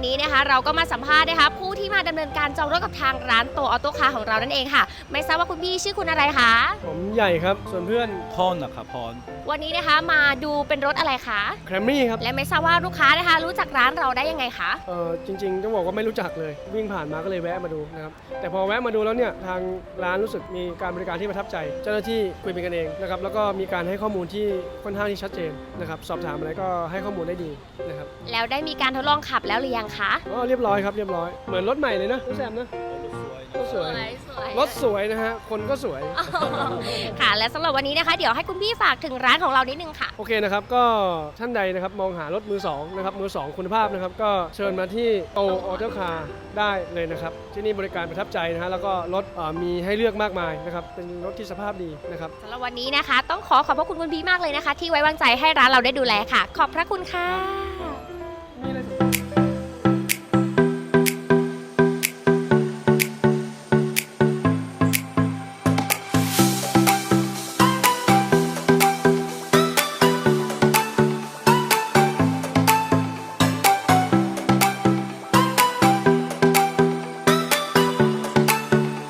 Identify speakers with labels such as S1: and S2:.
S1: นี้นะคะเราก็มาสัมภาษณ์นะคะผู้ที่มาดำเนินการจองรถกับทางร้านโตออโต้คาร์ของเรานั่นเองค่ะไม่ทราบว่าคุณพี่ชื่อคุณอะไรคะ
S2: ผมใหญ่ครับส่วนเพื่อน
S3: พรนะครับพร
S1: วันนี้นะคะมาดูเป็นรถอะไรคะ
S2: แคมรี่ครับ
S1: และไม่ทราบว่าลูกค้านะคะรู้จักร้านเราได้ยังไงคะ
S2: จริงๆต้องบอกว่าไม่รู้จักเลยวิ่งผ่านมาก็เลยแวะมาดูนะครับแต่พอแวะมาดูแล้วเนี่ยทางร้านรู้สึกมีการบริการที่ประทับใจ เจ้าหน้าที่คุยเป็นกันเองนะครับแล้วก็มีการให้ข้อมูลที่ค่อนข้างที่ชัดเจนนะครับสอบถามอะไรก็ให้ข้อมูลได้ดีนะครับ
S1: แล้วได้มีการทดลองขับแล้วหรือยังคะ
S2: เรียบร้อยครับเรียบร้อยเหมือนรถใหม่เลยนะพี่แซมนะรถสวยรถสวยนะฮะคนก็สวย
S1: ค่ะและสำหรับวันนี้นะคะเดี๋ยวให้คุณพี่ฝากถึงร้านของเรานิดนึงค่ะ
S2: โอเคนะครับก็ท่านใดนะครับมองหารถมือสองนะครับมือสองคุณภาพนะครับก็เชิญมาที่โตออโต้คาร์ได้เลยนะครับที่นี่บริการประทับใจนะฮะแล้วก็รถมีให้เลือกมากมายนะครับเป็นรถที่สภาพดีนะครับ
S1: สำหรับวันนี้นะคะต้องขอบพระคุณคุณพี่มากเลยนะคะ ที่ไว้วางใจให้ร้านเราได้ดูแลค่ะ ขอบพระคุณค่ะ
S2: มีอะไร